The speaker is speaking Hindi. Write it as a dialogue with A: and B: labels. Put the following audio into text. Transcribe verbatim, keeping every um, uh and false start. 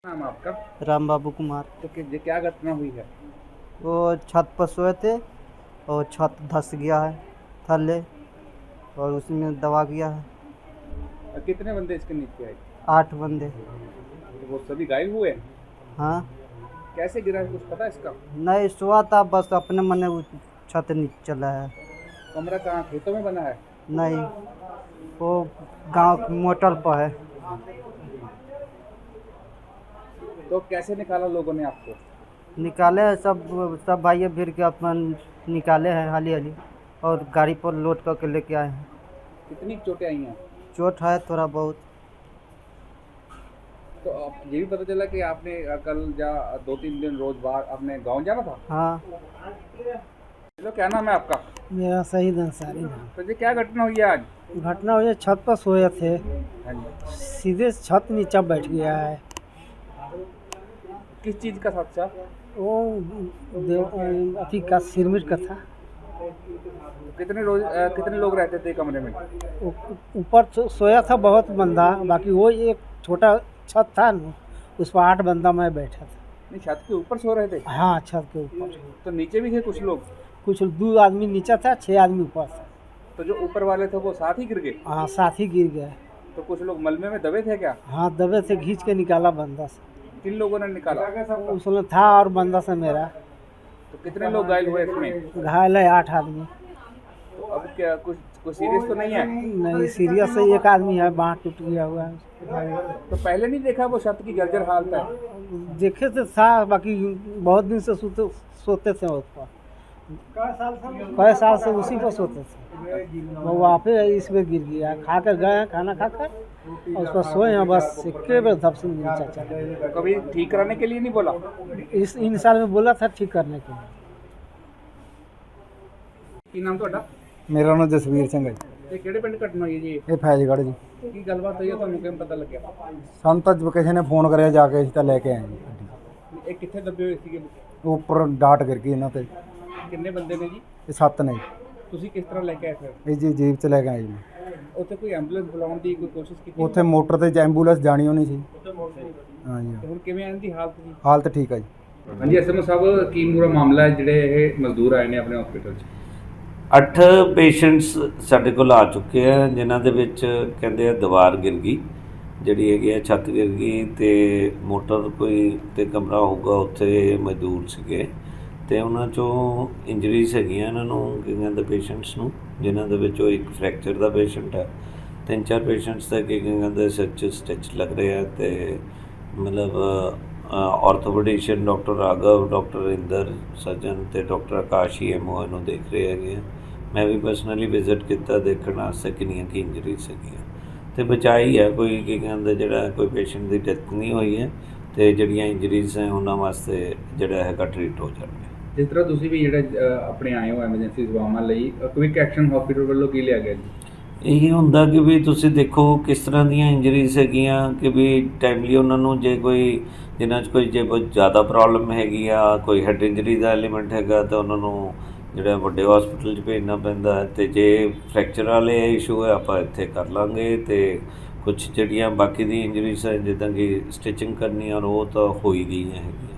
A: नाम है आपका?
B: राम बाबू कुमार।
A: तो कि, ये क्या घटना हुई है?
B: वो छत पर सोए थे और छत धंस गया है थल्ले और उसमें दबा गया है।
A: और कितने बंदे इसके नीचे आए?
B: आठ बंदे।
A: तो वो सभी घायल हुए?
B: हाँ।
A: कैसे गिरा है, कुछ पता है इसका?
B: नहीं सोआ था, बस अपने मन वो छत नीचे चला है।
A: कमरा कहाँ, खेतों में बना है?
B: नहीं, वो गांव मोटल पर है।
A: तो कैसे निकाला लोगों ने आपको?
B: निकाले हैं सब सब भाई भीड़ के अपन निकाले हैं हाली हाली और गाड़ी पर लोड करके लेके आए हैं।
A: कितनी चोटें आई हैं?
B: चोट है थोड़ा बहुत।
A: तो आप ये भी पता चला कि आपने अ, कल जा दो तीन दिन रोज बाहर अपने गांव जाना था?
B: हाँ।
A: चलो, क्या नाम है आपका?
B: मेरा शहीद अंसारी नाम।
A: तो ये क्या घटना हुई है आज?
B: घटना हुई है, छत पर सोए थे,
A: हाँ जी।
B: सीधे छत नीचे बैठ गया है।
A: किस चीज़ का हादसा?
B: वो देव अथी का सिरमिट का था।
A: कितने रोज अ, कितने लोग रहते थे कमरे में?
B: ऊ- ऊपर सो- सोया था बहुत बंदा, बाकी वो एक छोटा छत था न, उस पर आठ बंदा मैं बैठा था।
A: नहीं, छत के ऊपर सो रहे थे?
B: हाँ, छत के ऊपर।
A: तो नीचे भी थे कुछ लोग?
B: कुछ दो आदमी नीचे था, छह आदमी ऊपर था।
A: तो जो ऊपर वाले थे वो साथ ही गिर गए?
B: हाँ, साथ ही गिर गए।
A: तो कुछ लोग मलबे में दबे थे क्या?
B: हाँ, दबे से खींच के निकाला बंदा से।
A: किन लोगों ने निकाला?
B: उसमें था और बंदा से मेरा।
A: तो कितने लोग घायल हुए इसमें?
B: घायल है आठ आदमी।
A: तो अब क्या कुछ कुछ सीरियस तो नहीं है?
B: नहीं सीरियस है, एक आदमी है, बाँह टूट गया हुआ है।
A: तो पहले नहीं देखा वो छत की जर्जर हालत है?
B: देखे तो था, बाकी बहुत दिन से सोते सोते थे उस पर। कई साल से उसी पर सोते थे। वो वहाँ पे इसमें गिर गया, खा कर गए हैं खाना खाकर और उस पर सोए हैं, बस इक्के बार धप से नीचे चला।
A: तो कभी ठीक कराने के लिए नहीं बोला?
B: इस इन साल में बोला था ठीक करने के लिए।
A: ਕੀ ਨਾਮ ਤੁਹਾਡਾ?
C: ਮੇਰਾ ਨਾਮ ਜਸਵੀਰ ਸਿੰਘ ਹੈ ਜੀ।
A: ਤੇ ਕਿਹੜੇ ਪਿੰਡ ਘਟਨਾ ਹੋਈ ਹੈ ਜੀ?
C: ਇਹ ਫੈਜ਼ਗੜ੍ਹ ਜੀ।
A: ਕੀ ਗੱਲਬਾਤ ਹੋਈ ਹੈ, ਤੁਹਾਨੂੰ ਕਿਵੇਂ ਪਤਾ ਲੱਗਿਆ?
C: ਸਾਨੂੰ ਤਾਂ ਕਿਸੇ ਨੇ ਫੋਨ ਕਰਿਆ, ਜਾ ਕੇ ਅਸੀਂ ਤਾਂ ਲੈ ਕੇ ਆਏ ਜੀ ਗੱਡੀ।
A: ਇਹ ਕਿੱਥੇ ਦੱਬੇ ਹੋਏ ਸੀਗੇ?
C: ਉਹ ਉੱਪਰ ਡਾਟ ਗਿਰ ਗਈ ਇਹਨਾਂ ਤੇ।
A: ਕਿੰਨੇ ਬੰਦੇ ਨੇ ਜੀ?
C: ਇਹ ਸੱਤ ਨੇ ਜੀ।
A: ਤੁਸੀਂ ਕਿਸ ਤਰ੍ਹਾਂ ਲੈ ਕੇ ਆਏ ਫਿਰ?
C: ਇਹ ਜੀ ਜੀਪ 'ਚ ਲੈ ਕੇ ਆਏ ਜੀ।
A: ਉੱਥੇ ਕੋਈ ਐਂਬੂਲੈਂਸ ਬੁਲਾਉਣ ਦੀ ਕੋਈ ਕੋਸ਼ਿਸ਼ ਕੀਤੀ?
C: ਉੱਥੇ ਮੋਟਰ ਤੇ ਐਂਬੂਲੈਂਸ ਜਾਣੀ ਹੋਣੀ ਸੀ।
A: ਤੇ
C: ਹਾਂਜੀ,
A: ਹੁਣ ਕਿਵੇਂ ਇਹਨਾਂ ਦੀ ਹਾਲਤ ਜੀ?
C: ਹਾਲਤ ਠੀਕ ਆ ਜੀ।
A: ਹਾਂਜੀ ਐਸਐਮਓ ਸਾਹਿਬ, ਕੀ ਪੂਰਾ ਮਾਮਲਾ ਹੈ ਜਿਹੜੇ ਇਹ ਮਜ਼ਦੂਰ ਆਏ ਨੇ ਆਪਣੇ ਹਸਪੀਟਲ 'ਚ?
D: ਅੱਠ ਪੇਸ਼ੈਂਟਸ ਸਾਡੇ ਕੋਲ ਆ ਚੁੱਕੇ ਆ, ਜਿਨ੍ਹਾਂ ਦੇ ਵਿੱਚ ਕਹਿੰਦੇ ਆ ਦੀਵਾਰ ਗਿਰ ਗਈ, ਜਿਹੜੀ ਹੈਗੀ ਆ ਛੱਤ ਗਿਰ ਗਈ ਅਤੇ ਮੋਟਰ ਕੋਈ ਤੇ ਕਮਰਾ ਹੋਊਗਾ ਉੱਥੇ ਮਜ਼ਦੂਰ ਸੀਗੇ ਅਤੇ ਉਹਨਾਂ 'ਚੋਂ ਇੰਜਰੀਜ਼ ਹੈਗੀਆਂ ਇਹਨਾਂ ਨੂੰ, ਕੀ ਕਹਿੰਦੇ ਪੇਸ਼ੈਂਟਸ ਨੂੰ, ਜਿਨ੍ਹਾਂ ਦੇ ਵਿੱਚੋਂ ਇੱਕ ਫਰੈਕਚਰ ਦਾ ਪੇਸ਼ੈਂਟ ਹੈ, ਤਿੰਨ ਚਾਰ ਪੇਸ਼ੈਂਟਸ ਦਾ ਕੀ ਕਹਿੰਦੇ ਸਿਰ 'ਚ ਸਟਿਚ ਲੱਗ ਰਹੇ ਆ ਅਤੇ ਮਤਲਬ orthopaedician doctor Raghav, doctor Inder surgeon ਅਤੇ doctor Akash E M O ਇਹਨੂੰ ਦੇਖ ਰਹੇ ਹੈਗੇ ਆ। ਮੈਂ ਵੀ ਪਰਸਨਲੀ ਵਿਜ਼ਿਟ ਕੀਤਾ ਦੇਖਣ ਵਾਸਤੇ ਕਿੰਨੀਆਂ ਕੀ ਇੰਜਰੀਜ਼ ਸੀਗੀਆਂ ਅਤੇ ਬਚਾਈ ਹੈ, ਕੋਈ ਕੀ ਕਹਿੰਦੇ ਜਿਹੜਾ ਕੋਈ ਪੇਸ਼ੈਂਟ ਦੀ ਡੈਥ ਨਹੀਂ ਹੋਈ ਹੈ ਅਤੇ ਜਿਹੜੀਆਂ ਇੰਜਰੀਜ਼ ਹੈ ਉਹਨਾਂ ਵਾਸਤੇ ਜਿਹੜਾ ਹੈਗਾ ਟਰੀਟ ਹੋ ਜਾਣਗੇ।
A: ਜਿਸ ਤਰ੍ਹਾਂ ਤੁਸੀਂ ਵੀ ਜਿਹੜੇ ਆਪਣੇ ਆਏ ਹੋ ਐਮਰਜੈਂਸੀ ਸੇਵਾਵਾਂ ਲਈ, ਕੁਇਕ ਐਕਸ਼ਨ ਹਸਪੀਟਲ ਵੱਲੋਂ ਕੀ ਲਿਆ ਗਿਆ ਜੀ?
D: ਇਹੀ ਹੁੰਦਾ ਕਿ ਵੀ ਤੁਸੀਂ ਦੇਖੋ ਕਿਸ ਤਰ੍ਹਾਂ ਦੀਆਂ ਇੰਜਰੀਜ਼ ਹੈਗੀਆਂ, ਕਿ ਵੀ ਟਾਈਮਲੀ ਉਹਨਾਂ ਨੂੰ ਜੇ ਕੋਈ ਜਿਨ੍ਹਾਂ 'ਚ ਕੋਈ ਜੇ ਬਹੁਤ ਜ਼ਿਆਦਾ ਪ੍ਰੋਬਲਮ ਹੈਗੀ ਆ, ਕੋਈ ਹੈਡ ਇੰਜਰੀ ਦਾ ਐਲੀਮੈਂਟ ਹੈਗਾ ਤਾਂ ਉਹਨਾਂ ਨੂੰ ਜਿਹੜਾ ਵੱਡੇ ਹਸਪੀਟਲ 'ਚ ਭੇਜਣਾ ਪੈਂਦਾ ਹੈ ਅਤੇ ਜੇ ਫਰੈਕਚਰ ਵਾਲੇ ਇਸ਼ੂ ਹੈ ਆਪਾਂ ਇੱਥੇ ਕਰ ਲਾਂਗੇ ਅਤੇ ਕੁਛ ਜਿਹੜੀਆਂ ਬਾਕੀ ਦੀ ਇੰਜਰੀਜ਼ ਹੈ ਜਿੱਦਾਂ ਕਿ ਸਟਿਚਿੰਗ ਕਰਨੀ ਔਰ ਉਹ ਤਾਂ ਹੋ ਹੀ ਗਈਆਂ ਹੈਗੀਆਂ।